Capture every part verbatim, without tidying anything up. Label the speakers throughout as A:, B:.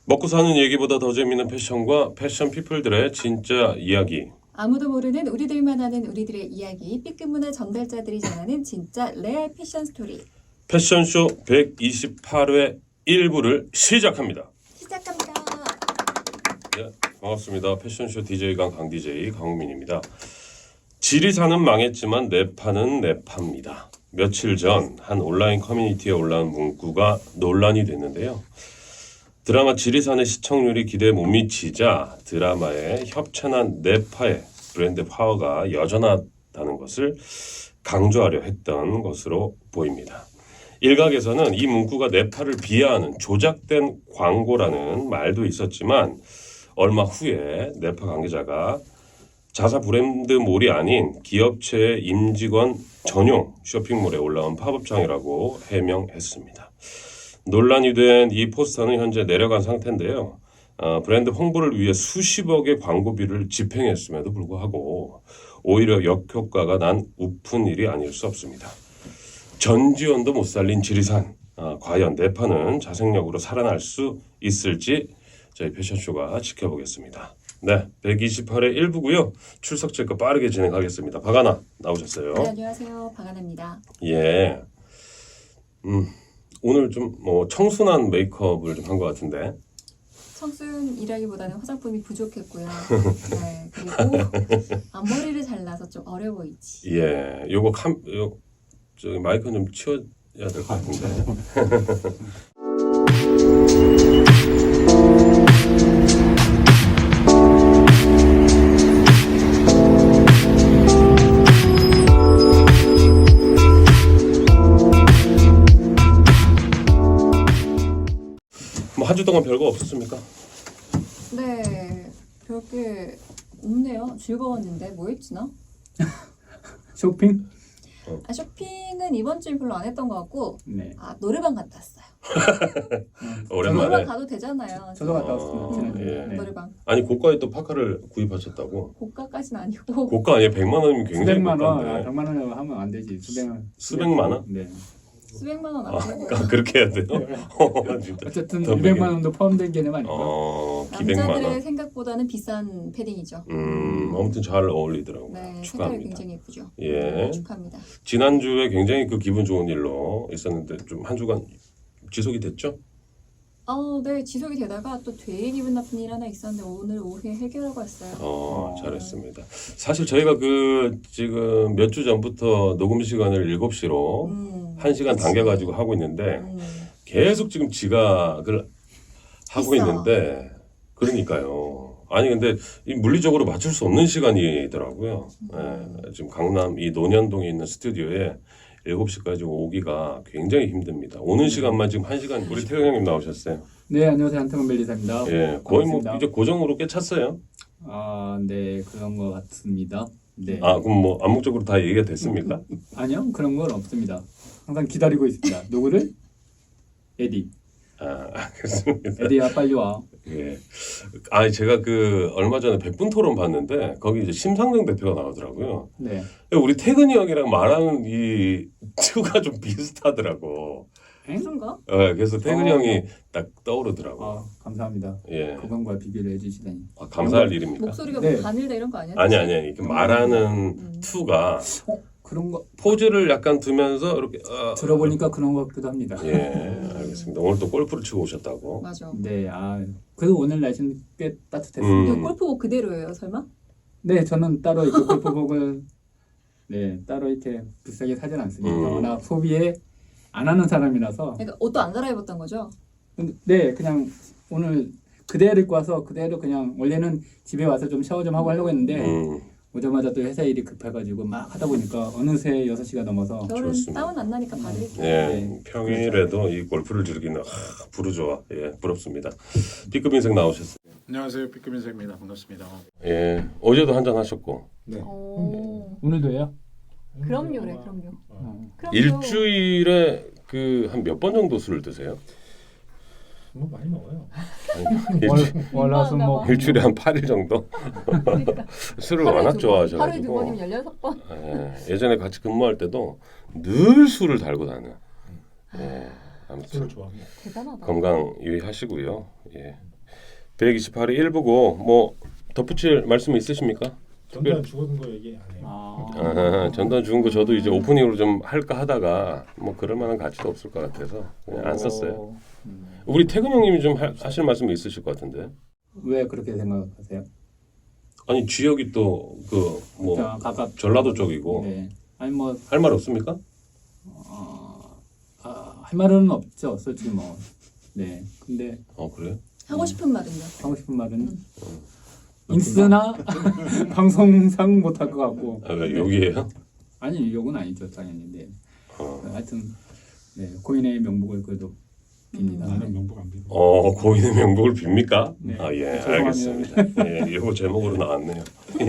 A: 먹고 사는 얘기보다 더 재밌는 패션과 패션 피플들의 진짜 이야기.
B: 아무도 모르는 우리들만 아는 우리들의 이야기, B급 문화 전달자들이 전하는 진짜 레알 패션 스토리.
A: 패션쇼 백이십팔 회 일 부를 시작합니다.
B: 시작합니다.
A: 네, 반갑습니다. 패션쇼 디제이 강 강 디제이 강우민입니다. 지리산은 망했지만 내파는 내파입니다. 며칠 전 한 온라인 커뮤니티에 올라온 문구가 논란이 됐는데요. 드라마 지리산의 시청률이 기대에 못 미치자 드라마의 협찬한 내파의 브랜드 파워가 여전하다는 것을 강조하려 했던 것으로 보입니다. 일각에서는 이 문구가 내파를 비하하는 조작된 광고라는 말도 있었지만 얼마 후에 내파 관계자가 자사 브랜드몰이 아닌 기업체의 임직원 전용 쇼핑몰에 올라온 팝업창이라고 해명했습니다. 논란이 된 이 포스터는 현재 내려간 상태인데요. 어, 브랜드 홍보를 위해 수십억의 광고비를 집행했음에도 불구하고 오히려 역효과가 난 우픈 일이 아닐 수 없습니다. 전지현도 못 살린 지리산. 어, 과연 내파는 자생력으로 살아날 수 있을지 저희 패션쇼가 지켜보겠습니다. 네, 백이십팔 회 일 부고요. 출석 체크 빠르게 진행하겠습니다. 박아나 나오셨어요.
B: 네, 안녕하세요. 박아나입니다.
A: 예. 음. 오늘 좀 뭐 청순한 메이크업을 좀 한 것 같은데.
B: 청순이라기보다는 화장품이 부족했고요. 네, 그리고 앞머리를 잘라서 좀 어려 보이지.
A: 예, 요거 캄, 요 저기 마이크 좀 치워야 될 것 같은데. 뭐 한 주 동안 별거 없었습니까?
B: 네, 별게 없네요. 즐거웠는데 뭐 했지 나?
C: 쇼핑?
B: 아, 쇼핑은 이번 주에 별로 안 했던 것 같고
C: 네.
B: 아 노래방 갔다 왔어요.
A: 오랜만에.
B: 노래방 가도 되잖아요.
C: 저도 갔다 왔습니다.
A: 어,
C: 지난주에.
A: 예.
C: 네.
B: 노래방
A: 아니 고가에 또 파카를 구입하셨다고?
B: 고가까지는 아니고
A: 고가 아니에요? 백만 원이면 굉장히
C: 수백만 원, 아,
A: 고가인데.
C: 백만 원 하면 안 되지. 수백만.
A: 수백만 원?
C: 네.
B: 수백만 원
A: 아,
B: 안 되고
A: 아, 그렇게 해야 돼요? 어, 진짜.
C: 어쨌든
A: 더
C: 이백만 원도 포함된 개념 아닐까?
A: 어, 기백만
B: 남자들의
A: 원.
B: 생각보다는 비싼 패딩이죠.
A: 음, 아무튼 잘 어울리더라고요.
B: 네, 색깔이
A: 축하합니다.
B: 굉장히 예쁘죠.
A: 예.
B: 네, 축하합니다.
A: 지난주에 굉장히 그 기분 좋은 일로 있었는데 좀 한 주간 지속이 됐죠?
B: 어, 네, 지속이 되다가 또 되게 기분 나쁜 일 하나 있었는데 오늘 오후에 해결하고 왔어요.
A: 어, 잘했습니다. 사실 저희가 그 지금 몇 주 전부터 녹음 시간을 일곱 시로
B: 음,
A: 한 시간
B: 그치.
A: 당겨가지고 하고 있는데
B: 음,
A: 계속 지금 지각을 하고
B: 있어.
A: 있는데 그러니까요. 아니 근데 이 물리적으로 맞출 수 없는 시간이더라고요.
B: 음.
A: 예, 지금 강남 이 논현동에 있는 스튜디오에 일곱 시까지 오기가 굉장히 힘듭니다. 오는 시간만 지금 한 시간. 우리 태영 형님 나오셨어요.
C: 네, 안녕하세요. 한태만 멜리사입니다.
A: 예, 거의 뭐
C: 반갑습니다.
A: 이제 고정으로 꽤 찼어요.
C: 아, 네, 그런 것 같습니다. 네.
A: 아 그럼 뭐 암묵적으로 다 얘기가 됐습니까?
C: 아니요, 그런 건 없습니다. 항상 기다리고 있습니다. 누구를? 에디.
A: 아 알겠습니다.
C: 에디야, 빨리 와.
A: 예. 아 제가 그 얼마 전에 백분 토론 봤는데 거기 이제 심상정 대표가 나오더라고요.
C: 네.
A: 우리 태근이 형이랑 말하는 이 투가 좀 비슷하더라고.
C: 엥?
B: 그런가?
A: 예, 그래서 태근이
C: 어.
A: 형이 딱 떠오르더라고.
C: 아, 감사합니다.
A: 예.
C: 그분과 비교를 해주시다니.
A: 아, 감사할 일입니까?
B: 목소리가
C: 네.
B: 뭐 바늘다 이런 거 아니야?
A: 아니 아니 아니. 그 말하는
B: 음.
A: 투가
C: 그런 거
A: 포즈를 약간 두면서 이렇게 어,
C: 들어보니까 그런 것 같기도 합니다.
A: 예, 알겠습니다. 오늘 또 골프를 치고 오셨다고.
B: 맞아.
C: 네, 아, 그래도 오늘 날씨는 꽤 따뜻했습니다.
A: 음.
B: 이거 골프복 그대로예요, 설마?
C: 네, 저는 따로 이렇게 골프복을 네 따로 이렇게 비싸게 사진 않습니다.
A: 음.
C: 워낙 소비에 안 하는 사람이라서
B: 그러니까 옷도 안 갈아입었던 거죠?
C: 근데 네 그냥 오늘 그대로 입고 와서 그대로 그냥 원래는 집에 와서 좀 샤워 좀 하고 하려고 했는데
A: 음,
C: 오자마자 또 회사 일이 급해가지고 막 하다 보니까 어느새 여섯 시가 넘어서
B: 겨울은
A: 좋습니다.
B: 다운 안 나니까 받을게요.
A: 예,
C: 네.
A: 평일에도 이 골프를 즐기는 아, 부르조아. 예, 부럽습니다. B급 인생 나오셨어요.
D: 안녕하세요. B급 인생입니다. 반갑습니다.
A: 예, 어제도 한잔 하셨고
C: 네
B: 오,
C: 오늘도 해요?
B: 그럼요래, 그럼요.
C: 어.
B: 그럼요.
A: 일주일에 그 한 몇 번 정도 술을 드세요?
D: 뭐 많이 먹어요.
A: 아니,
C: 월,
A: 일주,
C: 월화수목
A: 일주일에 한 팔 일 정도
B: 그러니까
A: 술을
B: 하루에
A: 워낙
B: 두 번, 하루에 두
A: 좋아하셔가지고
B: 번이면 열여섯 번.
A: 예, 예전에 같이 근무할 때도 늘 술을 달고 다녀. 예, 아무튼
D: 술을 좋아합니다.
B: 대단하다.
A: 건강 유의하시고요. 예, 백이십팔이 일부고 뭐 덧붙일 말씀 있으십니까?
D: 전단 죽은 거 얘기 안 해요.
C: 아,
A: 아, 전단 죽은 거 저도 이제 오프닝으로 좀 할까 하다가 뭐 그럴 만한 가치도 없을 것 같아서 그냥 안 썼어요.
C: 음.
A: 우리 태근 형님이 좀 하, 하실 말씀이 있으실 것 같은데.
C: 왜 그렇게 생각하세요?
A: 아니 지역이 또 그 뭐
C: 자, 가깝
A: 전라도 쪽이고
C: 네. 아니 뭐
A: 할 말 없습니까?
C: 어, 아, 할 말은 없죠, 솔직히 뭐. 네. 근데
A: 어 그래요?
B: 하고 싶은 말은요?
C: 하고 싶은 말은
B: 음.
C: 인스나 방송상 못할 것 같고.
A: 아, 왜 여기에요?
C: 아니 욕은 아니죠, 당연히. 네.
A: 어,
C: 하여튼 네, 고인의 명복을 그래도 빕니다.
D: 나는 명복 안 빌고.
A: 어 고인의 명복을 빕니까?
C: 네.
A: 아 예
C: 죄송합니다.
A: 알겠습니다. 예 이거 제목으로 나왔네요.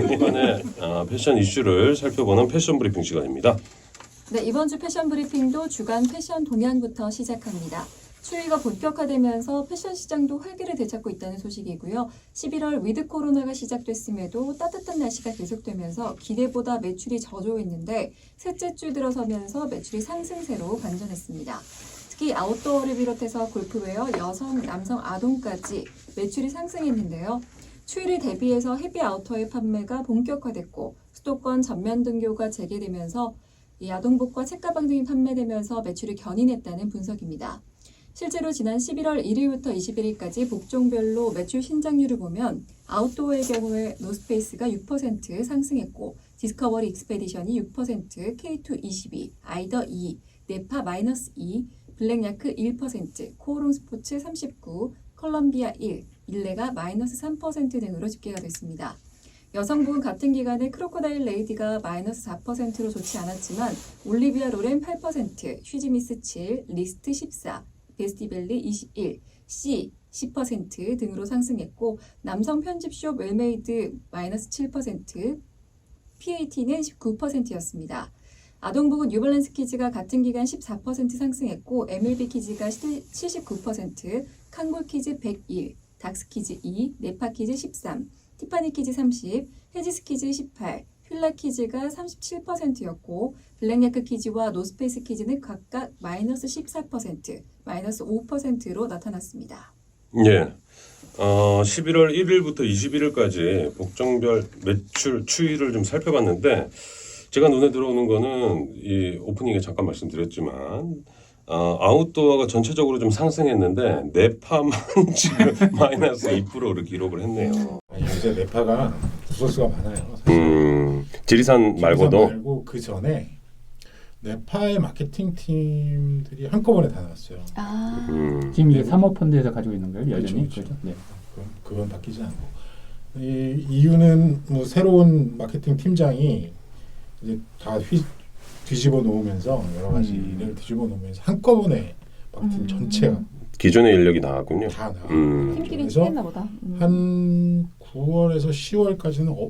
A: 이번에 어, 패션 이슈를 살펴보는 패션 브리핑 시간입니다.
B: 네, 이번 주 패션 브리핑도 주간 패션 동향부터 시작합니다. 추위가 본격화되면서 패션 시장도 활기를 되찾고 있다는 소식이고요. 십일월 위드 코로나가 시작됐음에도 따뜻한 날씨가 계속되면서 기대보다 매출이 저조했는데 셋째 주 들어서면서 매출이 상승세로 반전했습니다. 특히 아웃도어를 비롯해서 골프웨어, 여성, 남성, 아동까지 매출이 상승했는데요. 추위를 대비해서 헤비 아우터의 판매가 본격화됐고 수도권 전면 등교가 재개되면서 이 아동복과 책가방 등이 판매되면서 매출이 견인했다는 분석입니다. 실제로 지난 십일월 일일부터 이십일일까지 복종별로 매출 신장률을 보면 아웃도어의 경우에 노스페이스가 육 퍼센트 상승했고 디스커버리 익스페디션이 육 퍼센트, 케이투 이십이, 아이더 이, 네파 마이너스 이, 블랙야크 일 퍼센트, 코오롱 스포츠 삼십구, 컬럼비아 일, 일레가 마이너스 삼 퍼센트 등으로 집계가 됐습니다. 여성복은 같은 기간에 크로코다일 레이디가 마이너스 사 퍼센트로 좋지 않았지만 올리비아 로렌 팔 퍼센트, 휴지미스 칠, 리스트 십사, 베스티벨리 이십일, C 십 퍼센트 등으로 상승했고 남성 편집숍 웰메이드 마이너스 칠 퍼센트, 피에이티는 십구 퍼센트였습니다. 아동복은 뉴발란스 키즈가 같은 기간 십사 퍼센트 상승했고 엠엘비 키즈가 칠십구 퍼센트, 칸골 키즈 백일, 닥스 키즈 이, 네파 키즈 십삼, 티파니 키즈 삼십, 헤지스 키즈 십팔, 휠라 키즈가 삼십칠 퍼센트였고 블랙야크 키즈와 노스페이스 키즈는 각각 마이너스 십사 퍼센트, 마이너스 오 퍼센트로 나타났습니다.
A: 예. 어, 십일월 일일부터 이십일일까지 복종별 매출 추이를 좀 살펴봤는데 제가 눈에 들어오는 거는 이 오프닝에 잠깐 말씀드렸지만 어, 아웃도어가 전체적으로 좀 상승했는데 네파만 지금 마이너스 이 퍼센트를 기록을 했네요.
D: 아, 요새 네파가 구설수가 많아요. 사실.
A: 음, 지리산
D: 지리산
A: 말고도
D: 말고 그 전에 네파의 마케팅 팀들이 한꺼번에 다 나왔어요.
B: 아,
A: 음,
C: 지금 이게 사모펀드에서 가지고 있는 거예요, 여전히.
D: 그렇죠,
C: 그렇죠? 네.
D: 그건, 그건 바뀌지 않고 이 이유는 뭐 새로운 마케팅 팀장이 이제 다 휘, 뒤집어 놓으면서 여러 가지
C: 음.
D: 일을 뒤집어 놓으면서 한꺼번에 마케팅
B: 음.
D: 전체가
A: 기존의 인력이 나왔군요.
D: 다 나와.
A: 음.
B: 팀끼리
D: 그래서
B: 친했나 보다. 음.
D: 한 구월에서 시월까지는 어,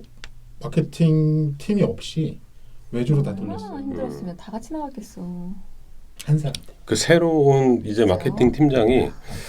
D: 마케팅 팀이 없이 외주로 다
B: 얼마나
D: 돌렸어요.
B: 힘들었으면 다 같이 나왔겠어.
D: 한 사람.
A: 그 새로운 이제 마케팅 팀장이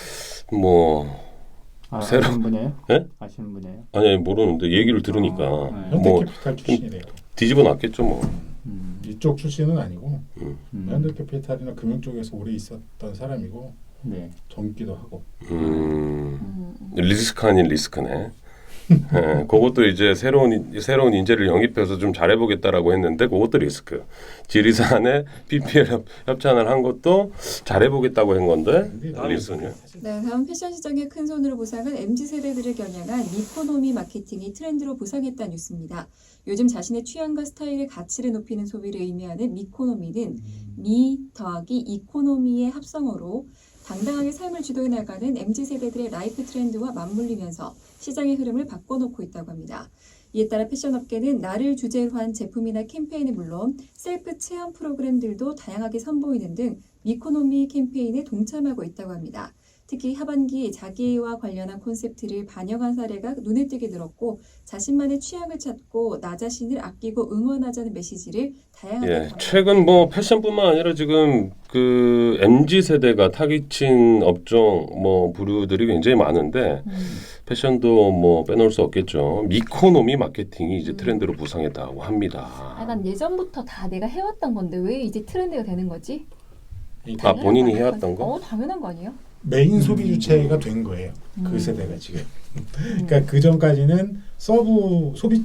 A: 뭐
C: 아,
A: 새로-
C: 아시는 분이에요?
A: 네?
C: 아시는 분이에요?
A: 아니 모르는데 얘기를 들으니까
C: 아, 네.
A: 뭐
D: 현대캐피탈 출신이래요.
A: 뒤집어 놨겠죠 뭐.
C: 음.
D: 이쪽 출신은 아니고
A: 음.
C: 음.
D: 현대캐피탈이나 금융 쪽에서 오래 있었던 사람이고
C: 네.
D: 젊기도 하고.
A: 음,
B: 음.
A: 리스크 아닌 리스크네. 예, 그것도 이제 새로운 인- 새로운 인재를 영입해서 좀 잘해보겠다라고 했는데 그것도 리스크. 지리산에 피피엘 협, 협찬을 한 것도 잘해보겠다고 한 건데 다 리스크냐.
B: 네, 다음 패션 시장의 큰 손으로 부상한 엠지 세대들을 겨냥한 미코노미 마케팅이 트렌드로 부상했다는 뉴스입니다. 요즘 자신의 취향과 스타일의 가치를 높이는 소비를 의미하는 미코노미는 미 더하기 이코노미의 합성어로 당당하게 삶을 주도해 나가는 엠지 세대들의 라이프 트렌드와 맞물리면서 시장의 흐름을 바꿔놓고 있다고 합니다. 이에 따라 패션업계는 나를 주제로 한 제품이나 캠페인은 물론 셀프 체험 프로그램들도 다양하게 선보이는 등 미코노미 캠페인에 동참하고 있다고 합니다. 특히 하반기 자기와 관련한 콘셉트를 반영한 사례가 눈에 띄게 늘었고 자신만의 취향을 찾고 나 자신을 아끼고 응원하자는 메시지를 다양하게
A: 예,
B: 담았습니다.
A: 최근 뭐 패션뿐만 아니라 지금 그 엠지 세대가 타깃친 업종 뭐 부류들이 굉장히 많은데
B: 음.
A: 패션도 뭐 빼놓을 수 없겠죠. 미코노미 마케팅이 이제
B: 음.
A: 트렌드로 부상했다고 합니다.
B: 아, 난 예전부터 다 내가 해왔던 건데 왜 이제 트렌드가 되는 거지?
A: 아, 본인이 해왔던 거?
B: 어, 당연한 거 아니에요?
D: 메인 소비 주체가 된 거예요.
B: 음.
D: 그 세대가 지금. 그러니까 그 전까지는 서브 소비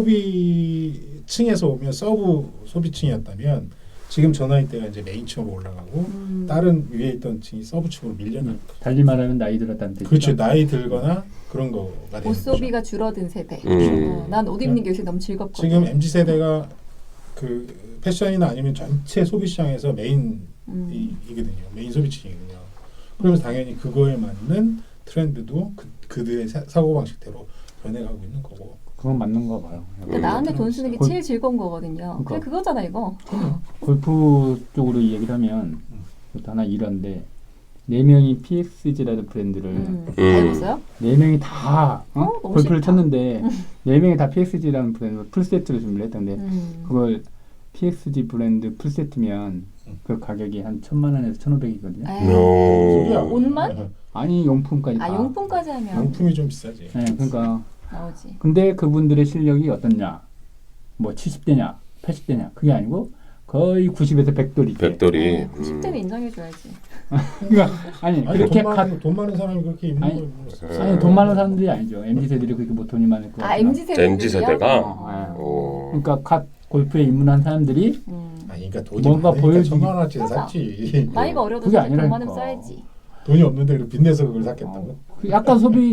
D: 소비층에서 오면 서브 소비층이었다면 지금 저 나이 때가 이제 메인층으로 올라가고
B: 음.
D: 다른 위에 있던 층이 서브층으로 밀려나는 거예요.
C: 달리 말하면 나이 들었다는 뜻이죠.
D: 그렇죠. 나이 들거나 그런 거가 되는
B: 옷
D: 거죠.
B: 소비가 줄어든 세대.
A: 음.
B: 어, 난 옷 입는 게 요새 너무 즐겁거든.
D: 지금 엠지 세대가 그 패션이나 아니면 전체 소비 시장에서 메인
B: 음.
D: 이, 이거든요. 메인 소비층이거든요. 그러면서 당연히 그거에 맞는 트렌드도 그, 그들의 사, 사고방식대로 변해가고 있는 거고.
C: 그건 맞는 거 봐요.
B: 그러니까 나한테 돈 쓰는 게
C: 골-
B: 제일 즐거운 거거든요. 그게
C: 그러니까.
B: 그거잖아 이거.
C: 골프 쪽으로 얘기를 하면 그것도 하나 이런데 네 명이 피엑스지라는 브랜드를
B: 음. 다
A: 음.
B: 입었어요?
C: 네 명이 다 어?
B: 어, 너무
C: 골프를
B: 싫다.
C: 쳤는데 네 명이 다 피엑스지라는 브랜드 풀세트를 준비를 했던데
B: 음.
C: 그걸 피엑스지 브랜드 풀세트면 그 가격이 한 천만 원에서 천오백이거든요.
B: 에이.
A: 오.
B: 옷만?
C: 아니 용품까지 다.
B: 아 용품까지 하면
D: 용품이 좀 비싸지.
C: 네, 그러니까
B: 나오지.
C: 근데 그분들의 실력이 어떻냐? 뭐 칠십 대냐, 팔십 대냐? 그게 아니고 거의 구십에서 백 돌이.
A: 백돌이.
B: 어, 구십 대는 인정해줘야지.
C: 그러니까 아니,
D: 아니
C: 그렇게
D: 돈
C: 가,
D: 많은 돈 많은 사람이 그렇게 입는
C: 아니,
D: 거.
C: 아니 돈 많은 사람들이 아니죠. 엠지 세들이 그렇게 뭐 돈이 많을 거
B: 아
C: 같아요.
B: 엠지 세대.
A: 엠지 세대가?
B: 어.
A: 오.
C: 그러니까 갓 골프에 입문한 사람들이
B: 음.
D: 아니 그러니까 돈이
C: 뭔가
D: 많으니까
C: 보여주기-
D: 천만 원어치를
B: 맞아.
D: 샀지.
B: 나이가 어려도
C: 그게
B: 사실 돈
C: 아니라니까.
B: 많으면 써야지.
D: 돈이 없는데 그걸 빚내서 그걸 샀겠다고?
C: 그 약간 소비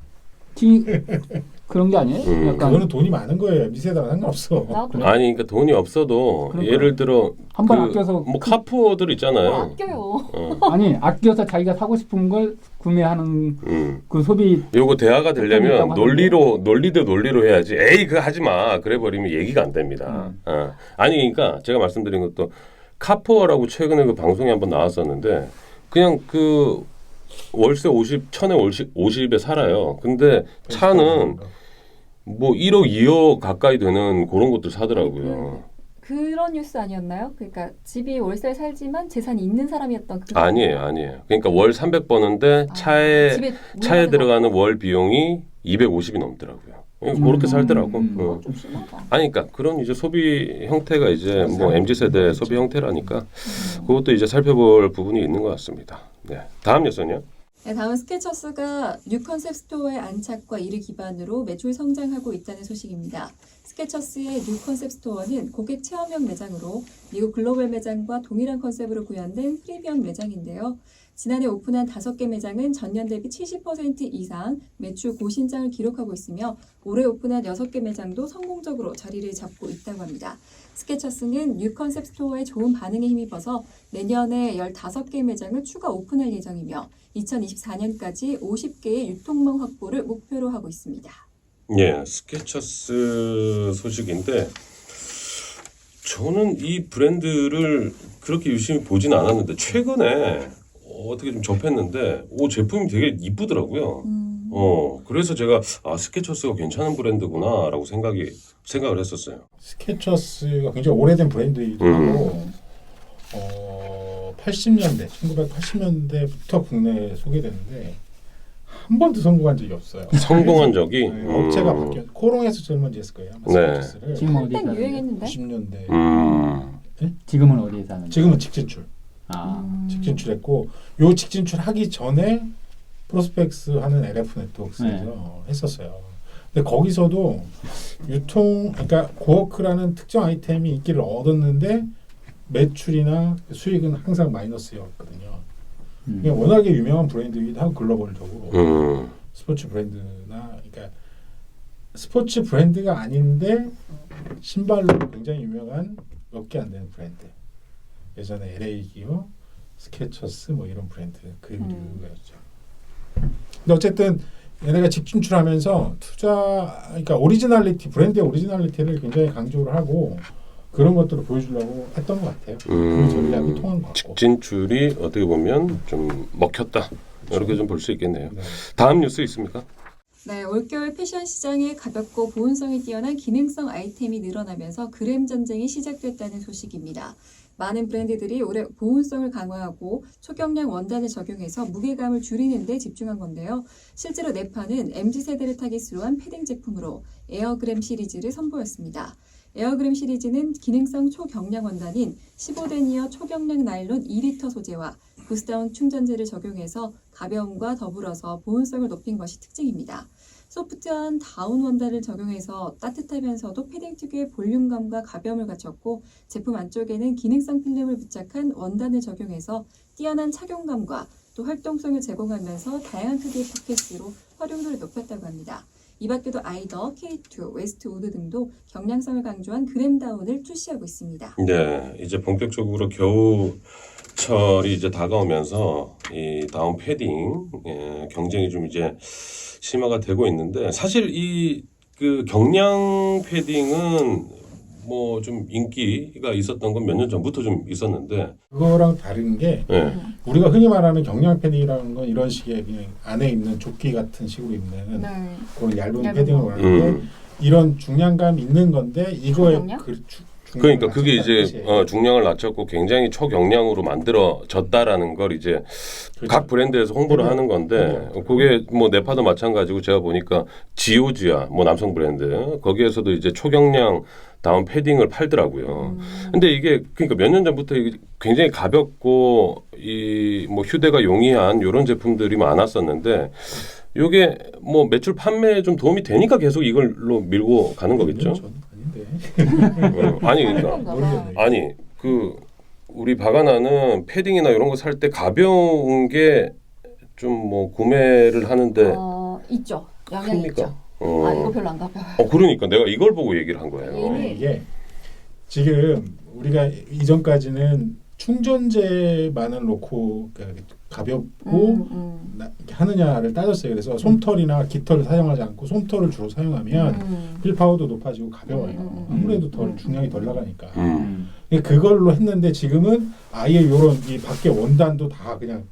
C: 티 그런 게 아니에요?
A: 음.
C: 약간
D: 그거는 돈이 많은 거예요. 엠지 세대랑 상관없어.
B: 나도
A: 아니 그러니까 돈이 없어도
C: 그러니까.
A: 예를 들어
C: 한 번
A: 그
C: 아껴서
A: 뭐 카푸어들
B: 뭐
A: 있잖아요.
B: 아껴요.
A: 어.
C: 아니 아껴서 자기가 사고 싶은 걸 구매하는
A: 음.
C: 그 소비
A: 요거 대화가 되려면
C: 있다고
A: 논리로 논리 대 논리로 해야지. 에이 그거 하지 마. 그래 버리면 얘기가 안 됩니다.
C: 음.
A: 어. 아니 그러니까 제가 말씀드린 것도 카푸어라고 최근에 그 방송에 한번 나왔었는데 그냥 그 월세 오십 천에 오십 오십에 살아요. 근데 차는 뭐 일억 이억 가까이 되는 그런 것들 사더라고요.
B: 그런 뉴스 아니었나요? 그러니까 집이 월세에 살지만 재산이 있는 사람이었던 그
A: 아니에요, 아니에요. 그러니까 월 삼백 버는데
B: 아,
A: 차에
B: 집에
A: 차에
B: 문화재가
A: 들어가는 월 비용이 이백오십이 넘더라고요. 그렇게
C: 음.
A: 살더라고.
C: 음.
A: 어.
B: 좀 심하다.
A: 아니, 그러니까 그런 이제 소비 형태가 이제 뭐 엠지 세대 소비 형태라니까 그것도 이제 살펴볼 부분이 있는 것 같습니다. 네, 다음 뉴스는요.
B: 네, 다음은 스케쳐스가 뉴 컨셉 스토어의 안착과 이를 기반으로 매출 성장하고 있다는 소식입니다. 스케쳐스의 뉴 컨셉 스토어는 고객 체험형 매장으로 미국 글로벌 매장과 동일한 컨셉으로 구현된 프리미엄 매장인데요. 지난해 오픈한 다섯 개 매장은 전년 대비 칠십 퍼센트 이상 매출 고신장을 기록하고 있으며 올해 오픈한 여섯 개 매장도 성공적으로 자리를 잡고 있다고 합니다. 스케쳐스는 뉴 컨셉 스토어의 좋은 반응에 힘입어서 내년에 열다섯 개 매장을 추가 오픈할 예정이며 이천이십사 년까지 오십 개의 유통망 확보를 목표로 하고 있습니다.
A: 예, 스케쳐스 소식인데 저는 이 브랜드를 그렇게 유심히 보진 않았는데 최근에 어떻게 좀 접했는데 오 제품이 되게 이쁘더라고요.
B: 음.
A: 어 그래서 제가 아 스케쳐스가 괜찮은 브랜드구나라고 생각이 생각을 했었어요.
D: 스케쳐스가 굉장히 오래된 브랜드이기도
A: 음.
D: 하고 어, 팔십 년대, 천구백팔십 년대부터 국내에 소개됐는데 한 번도 성공한 적이 없어요.
A: 성공한 적이
D: 네,
A: 음.
D: 업체가 바뀌었. 코롱에서 제일 먼저 했을 거예요. 아마
A: 네.
D: 스케쳐스를.
C: 지금 어디
B: 한때
C: 사는데?
B: 유행했는데?
D: 구십 년대.
A: 음.
C: 지금은 어디에 사는데?
D: 지금은 직진출.
C: 아,
B: 음.
D: 직진출했고 요 직진출 하기 전에 프로스펙스 하는 엘에프 네트워크스에서 했었어요. 근데 거기서도 유통 그러니까 고워크라는 특정 아이템이 인기를 얻었는데 매출이나 수익은 항상 마이너스였거든요.
C: 음.
D: 그냥 워낙에 유명한 브랜드이기도 하고 글로벌적으로
A: 음.
D: 스포츠 브랜드나 그러니까 스포츠 브랜드가 아닌데 신발로 굉장히 유명한 몇 개 안 되는 브랜드. 예전에 엘에이 기어, 스케쳐스 뭐 이런 브랜드 그
B: 음.
D: 류였죠. 근데 어쨌든 얘네가 직진출하면서 투자, 그러니까 오리지널리티 브랜드의 오리지널리티를 굉장히 강조를 하고 그런 것들을 보여주려고 했던 것 같아요. 그
A: 음.
D: 전략이 통한 것 같고.
A: 직진출이 어떻게 보면 좀 먹혔다 이렇게 좀 볼 수 있겠네요.
D: 네.
A: 다음 뉴스 있습니까?
B: 네, 올겨울 패션 시장에 가볍고 보온성이 뛰어난 기능성 아이템이 늘어나면서 그램 전쟁이 시작됐다는 소식입니다. 많은 브랜드들이 올해 보온성을 강화하고 초경량 원단을 적용해서 무게감을 줄이는 데 집중한 건데요. 실제로 네파는 엠지 세대를 타깃으로 한 패딩 제품으로 에어그램 시리즈를 선보였습니다. 에어그램 시리즈는 기능성 초경량 원단인 십오 데니어 초경량 나일론 이 리터 소재와 부스다운 충전재를 적용해서 가벼움과 더불어서 보온성을 높인 것이 특징입니다. 소프트한 다운 원단을 적용해서 따뜻하면서도 패딩 특유의 볼륨감과 가벼움을 갖췄고 제품 안쪽에는 기능성 필름을 부착한 원단을 적용해서 뛰어난 착용감과 또 활동성을 제공하면서 다양한 크기의 포켓으로 활용도를 높였다고 합니다. 이 밖에도 아이더, 케이 투, 웨스트우드 등도 경량성을 강조한 그램다운을 출시하고 있습니다.
A: 네, 이제 본격적으로 겨울철이 이제 다가오면서 이 다운 패딩 예, 경쟁이 좀 이제 심화가 되고 있는데 사실 이 그 경량 패딩은 뭐 좀 인기가 있었던 건 몇 년 전부터 좀 있었는데
D: 그거랑 다른 게
A: 예.
D: 우리가 흔히 말하는 경량 패딩이라는 건 이런 식의 그냥 안에 입는 조끼 같은 식으로 입는
B: 네.
D: 그런 얇은
B: 얇은
D: 패딩을
B: 거.
D: 말하는데
A: 음.
D: 이런 중량감 있는 건데 이거에
B: 중량량?
D: 그 주-
A: 그러니까
D: 중량을
A: 그게
D: 낮췄다는
A: 이제
D: 뜻이에요.
A: 어, 중량을 낮췄고 굉장히 초경량으로 만들어졌다라는 걸 이제
D: 그렇죠.
A: 각 브랜드에서 홍보를
D: 그게-
A: 하는 건데
D: 그게-
A: 그게 뭐 네파도 마찬가지고 제가 보니까 지오지아 뭐 남성 브랜드 거기에서도 이제 초경량 다운 패딩을 팔더라고요. 근데 이게 그러니까 몇 년 전부터 이게 굉장히 가볍고 이 뭐 휴대가 용이한 이런 제품들이 많았었는데 요게 뭐 매출 판매에 좀 도움이 되니까 계속 이걸로 밀고 가는 거겠죠.
D: 저는 아닌데.
A: 어, 아니 그러니까
B: 그런가 봐.
A: 아니 그 우리 바가나는 패딩이나 이런 거 살 때 가벼운 게 좀 뭐 구매를 하는데
B: 어, 있죠. 양양
A: 큽니까?
B: 있죠.
A: 어.
B: 아 이거 별로 안 가벼워요.
A: 어 그러니까 내가 이걸 보고 얘기를 한 거예요.
B: 얘는-
D: 이게 지금 우리가 이전까지는 충전재만을 놓고 그 가볍고
B: 음, 음.
D: 나- 이렇게 하느냐를 따졌어요. 그래서 솜털이나 깃털을 사용하지 않고 솜털을 주로 사용하면
B: 음.
D: 필파워도 높아지고 가벼워요.
B: 음, 음, 음.
D: 아무래도 덜
B: 음.
D: 중량이 덜 나가니까.
A: 음.
D: 그러니까 그걸로 했는데 지금은 아예 요런 이 밖에 원단도 다 그냥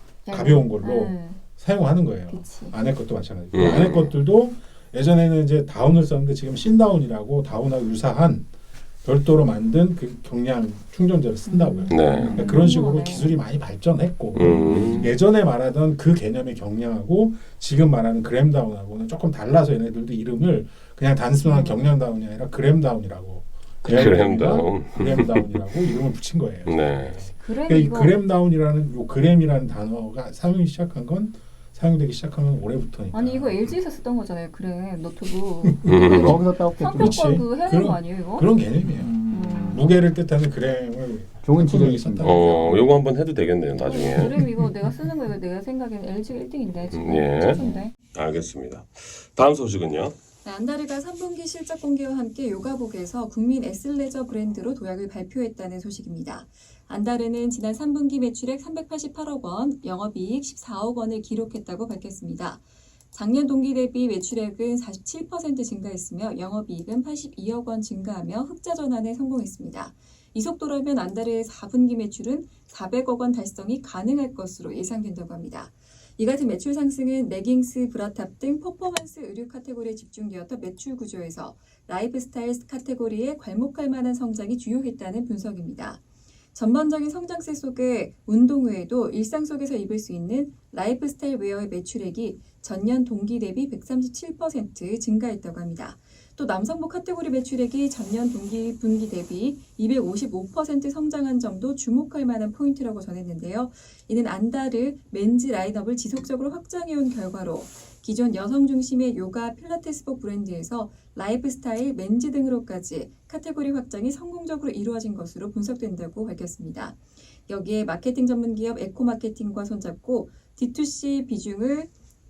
D: 가벼운 걸로
B: 음,
D: 사용하는 거예요.
B: 그치.
D: 안에 것도 마찬가지고
A: 음.
D: 안에 것들도 예전에는 이제 다운을 썼는데 지금 신다운이라고 다운하고 유사한 별도로 만든 그 경량 충전재를 쓴다고요.
A: 네.
D: 그러니까 그런 식으로
B: 궁금하네.
D: 기술이 많이 발전했고
A: 음.
D: 예전에 말하던 그 개념의 경량하고 지금 말하는 그램 다운하고는 조금 달라서 얘네들도 이름을 그냥 단순한
B: 음.
D: 경량 다운이 아니라 그램 다운이라고
A: 그램 다운.
D: 그램 다운이라고 이름을 붙인 거예요.
A: 네.
B: 그램
D: 그러니까 이
B: 이거
D: 그램 다운이라는 요 그램이라는 단어가 사용이 시작한 건 사용되기 시작하면 올해부터니까.
B: 아니 이거 엘지에서 쓰던 거잖아요. 그램 노트북.
A: 음.
C: 거기서 따왔겠죠.
D: 그렇지.
B: 상표권 그 해야 되는
D: 그런-
B: 거 아니에요 이거?
D: 그런 개념이에요.
B: 음.
D: 무게를 뜻하는 그램을
C: 좋은
D: 품명이
C: 지적이십니다.
D: 썼다.
A: 어, 요거 한번 해도 되겠네요, 나중에.
B: 그램 이거 내가 쓰는 거 이거 내가 생각엔 엘지가 일 등인데 지금
A: 음, 예.
B: 최초인데.
A: 알겠습니다. 다음 소식은요.
B: 네, 안다르가 삼 분기 실적 공개와 함께 요가복에서 국민 에슬레저 브랜드로 도약을 발표했다는 소식입니다. 안다르는 지난 삼 분기 매출액 삼백팔십팔억 원, 영업이익 십사억 원을 기록했다고 밝혔습니다. 작년 동기 대비 매출액은 사십칠 퍼센트 증가했으며 영업이익은 팔십이억 원 증가하며 흑자 전환에 성공했습니다. 이 속도라면 안다르의 사 분기 매출은 사백억 원 달성이 가능할 것으로 예상된다고 합니다. 이 같은 매출 상승은 레깅스, 브라탑 등 퍼포먼스 의류 카테고리에 집중되었던 매출 구조에서 라이프스타일 카테고리에 괄목할 만한 성장이 주요했다는 분석입니다. 전반적인 성장세 속에 운동 외에도 일상 속에서 입을 수 있는 라이프스타일 웨어의 매출액이 전년 동기 대비 백삼십칠 퍼센트 증가했다고 합니다. 또 남성복 카테고리 매출액이 전년 동기 분기 대비 이백오십오 퍼센트 성장한 점도 주목할 만한 포인트라고 전했는데요. 이는 안다르 맨즈 라인업을 지속적으로 확장해온 결과로 기존 여성 중심의 요가 필라테스복 브랜드에서 라이프스타일, 맨즈 등으로까지 카테고리 확장이 성공적으로 이루어진 것으로 분석된다고 밝혔습니다. 여기에 마케팅 전문 기업 에코마케팅과 손잡고 디투씨 비중을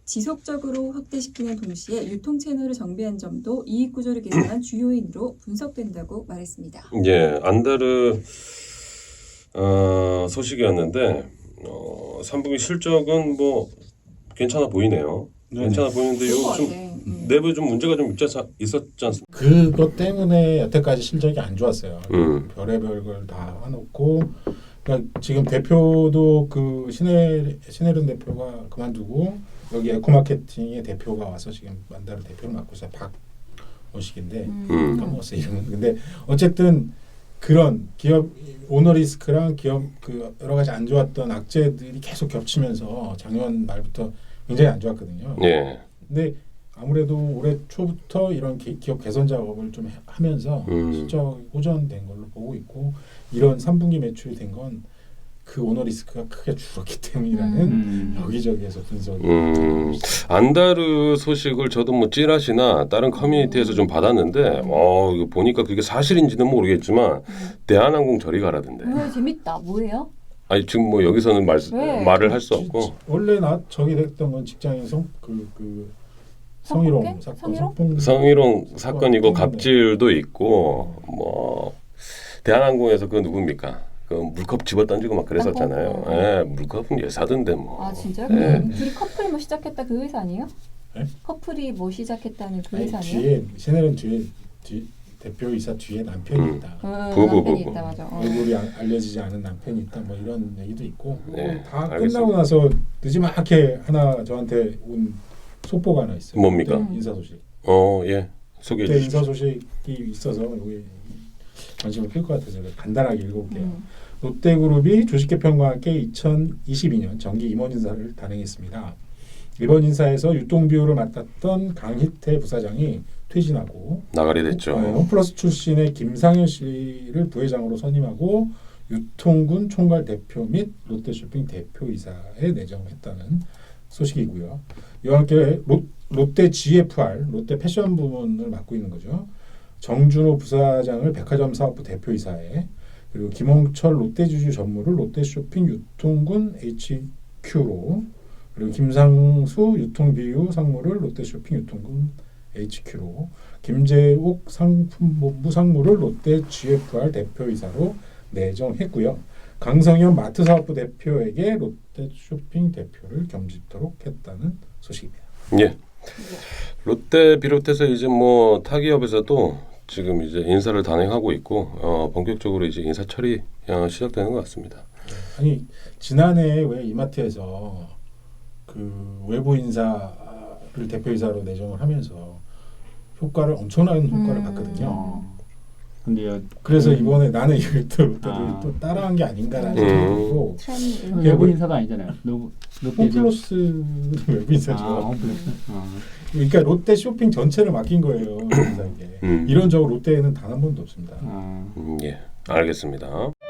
B: 지속적으로 확대시키는 동시에 유통 채널을 정비한 점도 이익 구조를 개선한 주요인으로 분석된다고 말했습니다.
A: 예, 안다르 어, 소식이었는데 어, 삼 분기 실적은 뭐 괜찮아 보이네요.
D: 네네.
A: 괜찮아 보이는데
B: 좋은 것
A: 요좀
B: 같아. 음.
A: 내부에 좀 문제가 좀 있지, 않- 있었지 않습니까?
D: 그것 때문에 여태까지 실적이 안 좋았어요.
A: 음.
D: 별의별 걸 다 해놓고 그러니까 지금 대표도 그 신혜 신혜련 대표가 그만두고 여기 에코마케팅의 대표가 와서 지금 만다르 대표를 맡고 있어요. 박원식인데
A: 음.
D: 까먹었어요 이름은. 근데 어쨌든 그런 기업 오너리스크랑 기업 그 여러 가지 안 좋았던 악재들이 계속 겹치면서 작년 말부터 굉장히 안 좋았거든요.
A: 예.
D: 근데 아무래도 올해 초부터 이런 기, 기업 개선 작업을 좀 해- 하면서
A: 음.
D: 실적 호전된 걸로 보고 있고 이런 삼 분기 매출이 된 건 그 오너 리스크가 크게 줄었기 때문이라는
C: 음.
D: 여기저기에서 분석이
A: 음, 안다르 소식을 저도 뭐 찌라시나 다른 커뮤니티에서 좀 받았는데 어 이거 보니까 그게 사실인지는 모르겠지만 대한항공 저리 가라던데.
B: 왜 재밌다. 뭐예요?
A: 아니 지금 뭐 여기서는 말
B: 왜?
A: 말을 할 수
D: 지-
A: 없고.
D: 지- 원래 나 저기 됐던 건 직장인 성그 그 성희롱
B: 성폭행?
D: 사건
B: 성희롱?
D: 성폭
A: 성희롱 사건이고
D: 때문에.
A: 갑질도 있고 뭐 대한항공에서 그 누굽니까? 그 물컵 집어 던지고 막 그랬었잖아요.
B: 땅콩.
A: 예, 물컵은 예사던데 뭐.
B: 아 진짜요?
A: 예.
B: 그 둘이 커플이 뭐 시작했다 그 회사 아니에요?
D: 네?
B: 커플이 뭐 시작했다는 그
D: 아니,
B: 회사 아니에요?
D: 뒤에 샤넬은 뒤에 뒤 대표이사 뒤에 남편이
A: 음.
D: 있다.
B: 어,
A: 부부,
B: 남편이
A: 부부.
B: 있다 맞아. 어.
D: 얼굴이 아- 알려지지 않은 남편이 있다. 뭐 이런 얘기도 있고
A: 네,
D: 다
A: 알겠습니다.
D: 끝나고 나서 늦지막하게 하나 저한테 온 속보가 하나 있어요.
A: 뭡니까?
D: 롯데 인사 소식.
A: 어, 예. 소개해
D: 롯데
A: 주십시오.
D: 인사 소식이 있어서 여기 관심을 끌 것 같아서 제가 간단하게 읽어볼게요.
B: 음.
D: 롯데그룹이 주식개편과 함께 이천이십이 년 정기 임원 인사를 단행했습니다. 이번 인사에서 유통비율을 맡았던 강희태 부사장이 퇴진하고
A: 나가리 됐죠.
D: 네, 홈플러스 출신의 김상현 씨를 부회장으로 선임하고 유통군 총괄 대표 및 롯데쇼핑 대표이사에 내정했다는 소식이고요. 이와 함께 롯, 롯데 지에프알, 롯데 패션 부문을 맡고 있는 거죠. 정준호 부사장을 백화점 사업부 대표이사에 그리고 김홍철 롯데주주 전무를 롯데쇼핑 유통군 에이치큐로 그리고 김상수 유통비유 상무를 롯데쇼핑 유통군 에이치큐로 김재욱 상품본부 상무를 롯데 지에프알 대표이사로 내정했고요. 강성현 마트사업부 대표에게 롯데쇼핑 대표를 겸직토록 했다는 소식입니다.
A: 예. 롯데 비롯해서 이제 뭐 타기업에서도 지금 이제 인사를 단행하고 있고 어, 본격적으로 이제 인사 처리 어, 시작되는 것 같습니다.
D: 아니 지난해 왜 이마트에서 그 외부 인사를 대표이사로 내정을 하면서 효과를 엄청난 효과를
B: 음.
D: 봤거든요.
C: 어. 근데요.
D: 그래서
C: 음.
D: 이번에 나는 이걸 또 롯데도
C: 아.
D: 또 따라한 게 아닌가라는
A: 음.
D: 생각이 들고
B: 트렌드.
C: 그 외부 인사가 아니잖아요. 롯- 롯데
D: 홈플러스 외부 인사죠.
C: 아, 홈플러스. 아.
D: 그러니까 롯데 쇼핑 전체를 맡긴 거예요. 인사에게.
A: 음.
D: 이런 적은 롯데에는 단 한 번도 없습니다.
C: 아.
A: 음, 예. 알겠습니다.